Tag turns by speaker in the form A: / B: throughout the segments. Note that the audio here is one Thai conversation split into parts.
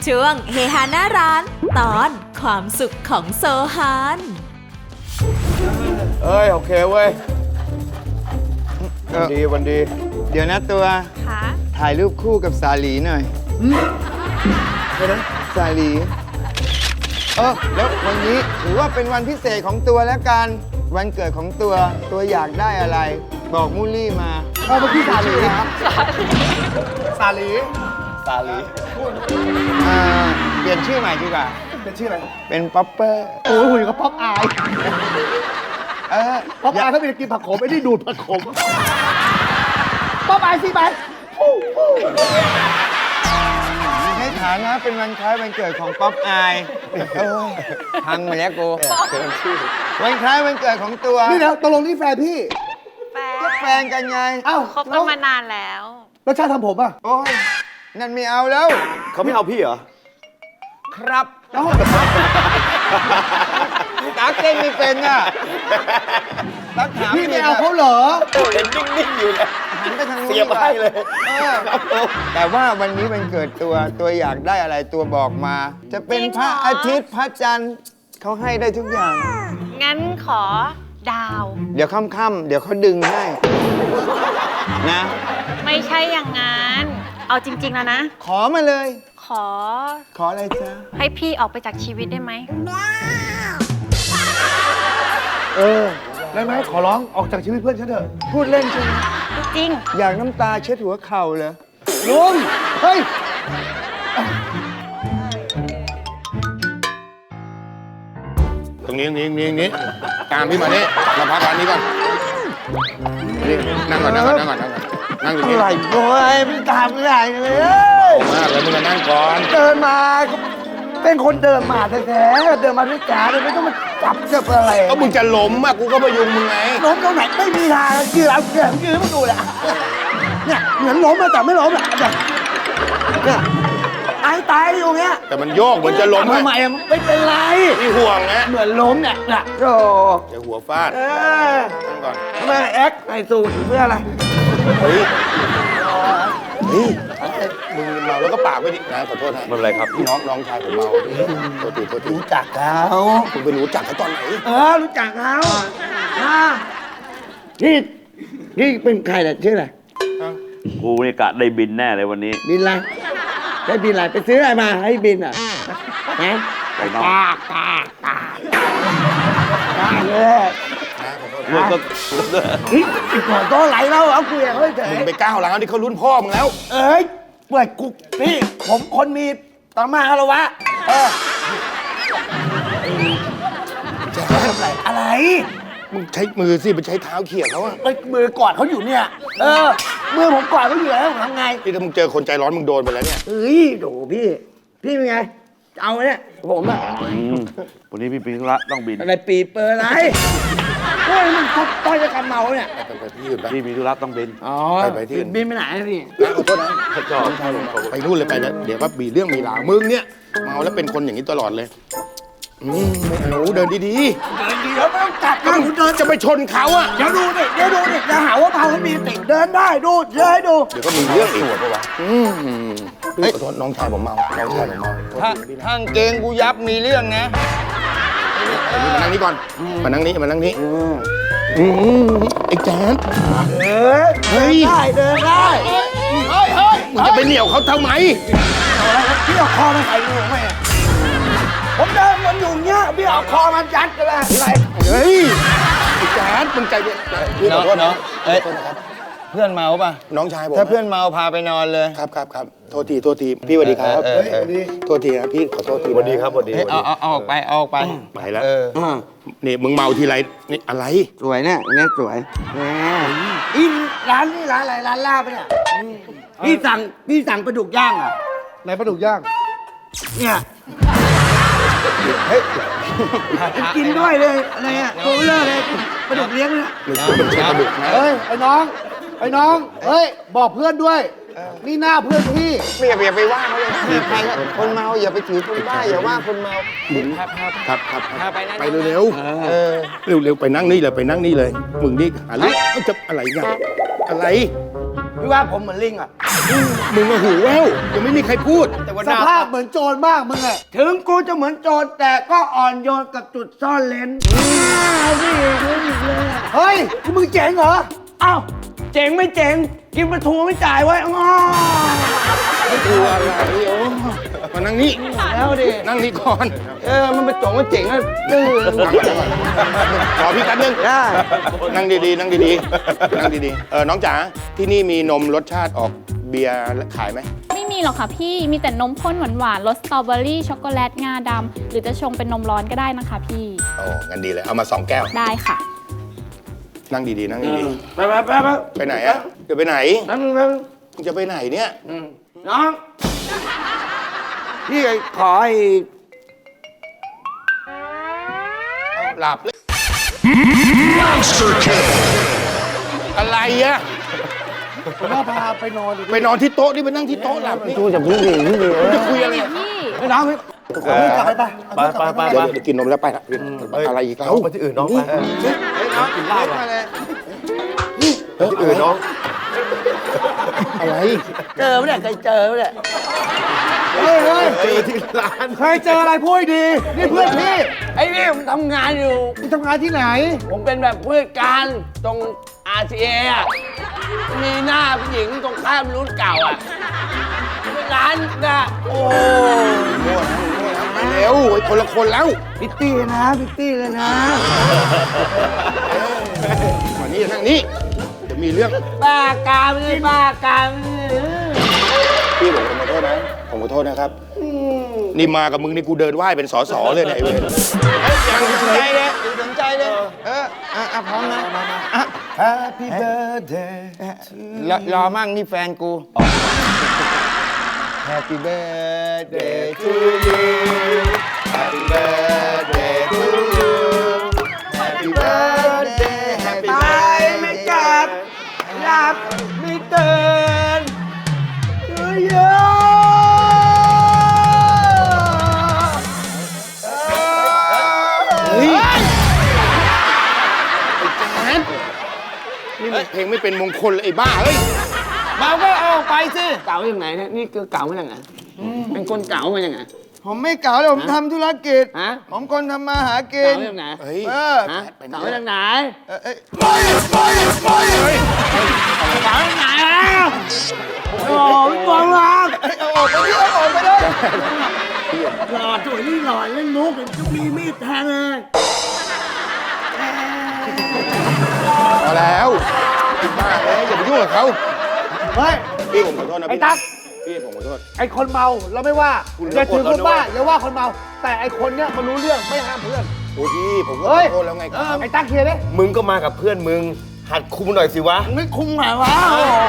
A: ช่วงเฮฮาหน้าร้านตอนความสุขของโซฮาน
B: เอ้ยโอเคเว้ยวันดี
C: เดี๋ยวนะตัวถ่ายรูปคู่กับสาลีหน่อยสาลีแล้ววันนี้ถือว่าเป็นวันพิเศษของตัวแล้วกันวันเกิดของตัวอยากได้อะไร บอกมูลลี่มา
B: เมื่อกี้สาลีครับสาลี
C: เปลี่ยนชื่อใหม่ดีกว่า
B: เป็นชื่ออะไร
C: เป็นป๊อปเปอร์
B: โอ้ยหุ่นกับป๊อปอายป๊อปอายเขาเป็นกินผักขมไม่ได้ดูดผักขมป๊อปอายสิไป
C: ในฐานะเป็นวันคล้ายวันเกิดของป๊อปอายพังมาแล้วกูวันคล้ายวันเกิดของตัว
B: นี่นะตกลงนี่แฟนพี่
C: แฟนกันไง
D: คบกันมานานแล้ว
B: แล้วชาติทำผมอ่ะ
C: โอ้ยนั่นไม่เอาแล้ว
B: เขาไม่เอาพี่เหรอ
C: ครับตักเต้นไม่เป็นอ่ะตักถาม
B: พี่ไม่เอาเขาเหรอ
E: เห็นนิ่งๆอยู่นะ
C: หันไปทางนู้น
E: เสียบให้เลย
C: แต่ว่าวันนี้วันเกิดตัวอยากได้อะไรตัวบอกมา จะเป็นพระอาทิตย์พระจันทร์เขาให้ได้ทุกอย่าง
D: งั้นขอดาว
C: เดี๋ยวค่ำๆเดี๋ยวเขาดึงให้นะ
D: ไม่ใช่อย่างนั้นเอาจริงๆแล้วนะ
C: ขอมาเลย
D: ขอ
C: อะไรจ๊ะ
D: ให้พี่ออกไปจากชีวิตได้ไหม
B: ได้ไหมขอร้องออกจากชีวิตเพื่อนฉันเถอะ
C: พูดเล่นใช่ไหม
D: จริง
C: อยากน้ำตาเช็ดหัวเข่าเหรอ
B: ลุงเฮ้ย
E: ตรงนี้ตามพี่มานี่มาพักร้านนี้ก่อนนี่นั่งก่อนนั่งตรงนี้
B: อะไรโว้ยไม่ตามไม่ได้เลย
E: มากแล้วมึงมานั่งก่อน
B: เดินมาเป็นคนเดินมาแท้ๆเดินมาด้วยจ๋าเลยไม่ต้องมาจับอะไร
E: ก็มึงจะล้มอ่ะกูก็พยุงมึงไง
B: ล้มตรงไหนไม่มีทางยืนเอายืนมาดูเลยเนี่ยเหมือนล้มแต่ไม่ล้มอ่ะเนี่ยตายอยู่เงี้ย
E: แต่มันโยกเหมือนจะล้ม
B: ทำไมไม่เป็นไร
E: นี่ห่วงนะ
B: เหมือนล้มเนี่ยโอ้
E: จะหัวฟาดนั่งก่อน
B: ทำไมแอ็กใส่สูทเพื่ออะไร
E: เฮ้ยมึงเมาแล้วก็ปากไม่ดีนะขอโทษนะไม่เป็นไรครับพี่น้องชายผมเมาโทษที
B: รู้จักเขา
E: คุณไปรู้จักเขาตอนไหน
B: รู้จักเขานี่เป็นใครเนี่ยชื่ออะไร
F: กูนี่กะได้บินแน่เลยวันนี้
B: บินอะไรได้บินอะไรไปซื้ออะไรมาให้บินอ่ะฮะ
F: ไปนอก
B: ตาเลย
F: ลูกก็
B: ก่อนโตไหลแล้วเอาคุยกับเขาเฉย
E: มึงไปก้าวร้าวที่เขารุ่นพ่อมึงแล้ว
B: เปิดกุ๊กพี่ผมคนมีตามาฮาระวะจะทำอะไร
E: มึงใช้มือสิไปใช้เท้าเขี่ยเขาอะ
B: มือกอดเขาอยู่เนี่ยมือผมกอดเขาอยู่แล้วทำไง
E: ที่ถ้ามึงเจอคนใจร้อนมึงโดนไปแล้วเนี่ย
B: โดพี่เป็นไงเอาเนี่ยผมอะ
F: วันนี้พี่ปีธุระต้องบิน
B: อะไรปีเปิดอะไรมันต้อยจะกำเมาเนี่ย
E: ไปที่อื่นไป
F: พี่มีธุระต้องบิน
E: ไปที่อื่น
B: บินไปไหนพี่
E: ขอโทษนะไปนู่นเลยไปแล้วเดี๋ยวก็มีเรื่องมีราวมึงเนี่ยเมาแล้วเป็นคนอย่างนี้ตลอดเลยไม่เอาเดินดี
B: ๆแล้วไม่ต้องจับนะ
E: เดินจะไปชนเขาอะ
B: เดี๋ยวดูดิจะหาว่าเมาไม่มีติเดินได้ดูเดี๋
E: ยวก็มีเรื่องอีกปะวะขอโทษน้องชายผมเมา
C: ทางเกงกูยับมีเรื่องนะ
E: มานั่งนี้ก่อนมานั่งนี้ไอ้แจ๊ด
B: เฮ้ยเดินได้
E: มึงจะไปเหนี่ยวเขาทำไม
B: พี่เอาคอมาใส่หนูไหมผมเดินมันอยู่เงี้ยพี่เอาคอมันยัดกันเลยอะไร
E: เฮ้ยไอ้แจ๊ดมึงใจเย็น
C: พี่ขอโทษเนาะเพื่อนเมาป่ะ
E: น้องชายผม
C: ถ้าเพื่อนเมาพาไปนอนเลย
E: ครับโทษทีพี่สวัสดีครับโทษทีนะพี่ขอโทษที
F: สวัสดีครับสวัสดี
C: เอาออกไป
E: ไปแล้วนี่มึงเมาทีไรนี่อะไร
B: สวยเนี่ยสวยอีร้านนี่ร้านอะไรร้านลาบเนี่ยพี่สั่งปลาดุกย่างอ่ะไหนปลาดุกย่างเนี่ยกินด้วยเลยอะไรอ่ะโคเลอร์เลยปลาดุกเลี้ยงเนี่ยไอ้น้องบอกเพื่อนด้วยนี่หน้าเพื่อนพี่
C: อย่าไปว่าเขาเลยถือใครคนเมาอย่าไปถือคนบ้าอย่าว่าคนเมา
E: ครับไปเร็วไปนั่งนี่เลยมึงนี่อะไรจะอะไรเนี่ยอะไร
C: พี่ว่าผมเหมือนลิงอ่ะ
E: มึงมาหูแว่วยังไม่มีใครพูด
B: สภาพเหมือนโจรมากมึงอะ
C: ถึงกูจะเหมือนโจรแต่ก็อ่อนโยนกับจุดซ่อนเลน
B: เฮ้ยมึงเจ๋งเหรอ
C: อ้าวเจ๋งไม่เจ๋ง กินปลาทูไม่จ่ายไว้อ้อ
E: กลัวอะไรโอ้มานั่งนี่
C: แล้วดิ
E: นั่งนี่ก่อน
C: มันเป็นโจงมันเจ๋งอะดื้อ
E: ขอพี่แป๊บนึง
C: ได้
E: นั่งดีๆ นั่งดีๆ นั่งดีๆ น้องจ๋า ที่นี่มีนมรสชาติออกเบียร์ขายไหม
G: ไม่มีหรอกค่ะพี่ มีแต่นมข้นหวานๆรสสตรอเบอรี่ช็อกโกแลตงาดำหรือจะชงเป็นนมร้อนก็ได้นะคะพี่
E: โอ้งั้นดีเลย เอามา2 แก้ว
G: ได้ค่ะ
E: นั่งดีๆ นั่งดี
C: ไปไปไปไป
E: ๆ ไปไหนอะจะไปไหน
C: นั่งนั่ง
E: มึงจะไปไหนเนี่ย
C: น้อง พี่ขอให้
E: หลับเลยอะไรอะ
B: ผมว่าพาไปนอนดิ
E: ไปนอนที่โต๊ะนี่ไปนั่งที่โต๊ะหลับนี่
C: ตู้จะพึ่งดีพึ่งดี
E: จะคุยอะไร
G: พี่
C: ไอ้น้องพี่
B: กลับไป
F: ไป
E: เดี๋ยวกินนมแล้วไปละอะไรอีกแล้ว
F: ไปที่อื่นน้องไป
C: น้องกินเหล้ามาเลย
F: ที่อื่นน้อง
E: อะไร
C: เจอไม่ได้เคยเจอไม่ได้
B: เฮ้ยเฮ้ย
F: เจอที่ร้าน
B: เคยเจออะไรพูดให้ดี นี่เพื่อนพี่
C: ไอ้นี่ผมทำงานอยู่
B: มึงทำงานที่ไหน
C: ผมเป็นแบบผู้จัดการตรง RCA อ่ะ มีหน้าผู้หญิงตรงข้ามรุ่นเก่าอ่ะเป็นร้านนะโอ้
E: ไปเร็วไอ้คนละคนแล้ว
C: พิตตี้นะพิตตี้เลยนะ
E: มานี่นั่งนี่เดี๋ยวมีเรื่อง
C: บ้ากามเลยบ้ากาม
E: พี่ผมขอโทษนะ ผมขอโทษนะครับ นี่มากับมึงนี่กูเดินไหว้เป็นสสเลยเนี่ยไอ้เวร
C: ยังสนใจเลยสนใจเลย พร้อมนะ
F: Happy birthday
C: รอมั่งนี่แฟนกู
E: Happy birthday to you Happy birthday to you Happy birthday Happy
C: ตายไม่กลับหลับไม่ตื่นเยอะ
E: เฮ้ยไอ้แจ๊ดนี่มันเพลงไม่เป็นมงคลเลยไอ้บ้าเฮ้ย
C: เบาก็เอาไปสิเก่าอย่างไหนเนี่ยนี่คือเก่ามาจากไหนเป็นคนเก่ามาจากไหน
H: ผมไม่เก่าเลยผมทำธุรกิจ
C: ฮะ
H: ผมคนทำมาหากิ
C: เก่าน มาจากไหน
E: เฮ้ย
H: เออ
C: ฮะเก่ามาจากไหน
H: เอ้ย
C: เก่ามาจากไหนโอ้ยบอลลัง
H: เอาออกไปดิเอาออกไปเลย
C: หลอดสวยนี่หลอดเล่นมุกจะมีมีดแทงเลย
E: พอแล้วไอ้บ้าเอ้ยอย่าไปยุ่งกับเขา
B: เฮ้ย
E: พี่ผมขอโทษนะ
B: ไอ้
E: พี่
B: ตั๊ก
E: พี่ผมขอโทษ
B: ไอ้คนเมาเราไม่ว่า
E: คุณ
B: อย่าถือคนบ้า
E: เราโกรธ
B: อย่าว่าคนเมา แต่ไอ้คนเนี้ยมันรู้เรื่องไม่ห้ามเพื่อน
E: โอ้พี่ผมก็
B: เฮ้
E: ข
B: ย
E: อโทษแล้วไงครับ
B: ไอ้ตั๊กเคลียร์ดิ
F: มึงก็มากับเพื่อนมึง หัดคุมหน่อยสิวะ
C: ไม่คุ้มไหมวะ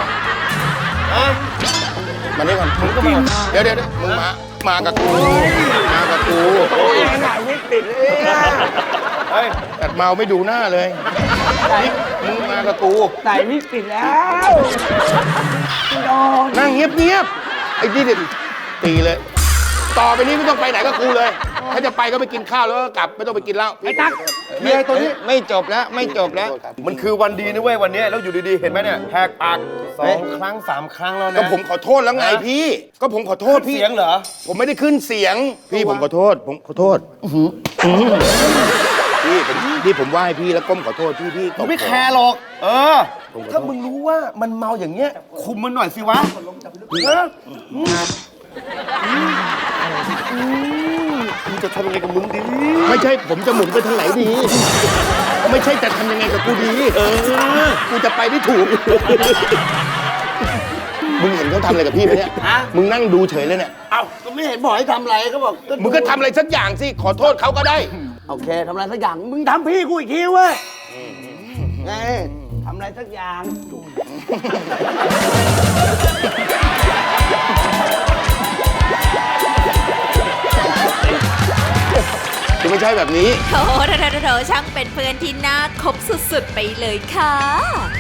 E: มานี่ก่อนมึงก็มาเดี๋ยวมึงมากับกูมากับกู
C: ไหนไม่ติดเลย
E: เฮ้ยแต่เมาไม่ดูหน้าเลยนี่มึงมากับกู
C: ใส่ไม่ติดแล้วโดน
E: นั่งเงียบๆไอ้นี่เด็ดตีเลย ต่อไปนี้ไม่ต้องไปไหนกับกูเลย ถ้าจะไปก็ไปกินข้าวแล้วก็กลับไม่ต้องไปกินเหล้า
B: ไอ้ตั๊กเคลียร์ตัวนี้
C: ไม่จบแล้วไม่จบแล้ว
F: มันคือวันดีนะเว้ยวันเนี้ยแล้วอยู่ดีๆ เห็นไหมเนี่ยแหกปาก2 ครั้ง 3 ครั้งแล้วนะ
E: ก็ผมขอโทษแล้วไงพี่ ก็ผมขอโทษพี่
F: เสียงเหรอ
E: ผมไม่ได้ขึ้นเสียง พี่ผมขอโทษ ผมขอโทษพี่ผมไหว้พี่แล้วก้มขอโทษพี่ตบ
F: ไม่แคร์หรอก เออ ถ้ามึงรู้ว่ามันเมาอย่างเงี้ย คุมมันหน่อยสิวะเออมึงจะทำยังไงกับมึงดี
E: ไม่ใช่ผมจะหมุนไปทางไหนดี ไม่ใช่จะทำยังไงกับกูดี กูจะไปได้ถูก มึงเห็นเขาทำอะไรกับพี่ไหมเนี่ย มึงนั่งดูเฉยเลยเนี่ย
C: เอ้าก็ไม่เห็นบอกให้ทำอะไรก็บอก
E: มึงก็ทำอะไรสักอย่างสิ ขอโทษเขาก็ได้
C: โอเคทำอะไรสักอย่างมึงทำพี่กูอีกทีเว้ยไงทำอะไรสักอย่าง
E: คือไม่ใช่แบบนี้
A: โถช่างเป็นเพื่อนที่น่าคบสุดๆไปเลยค่ะ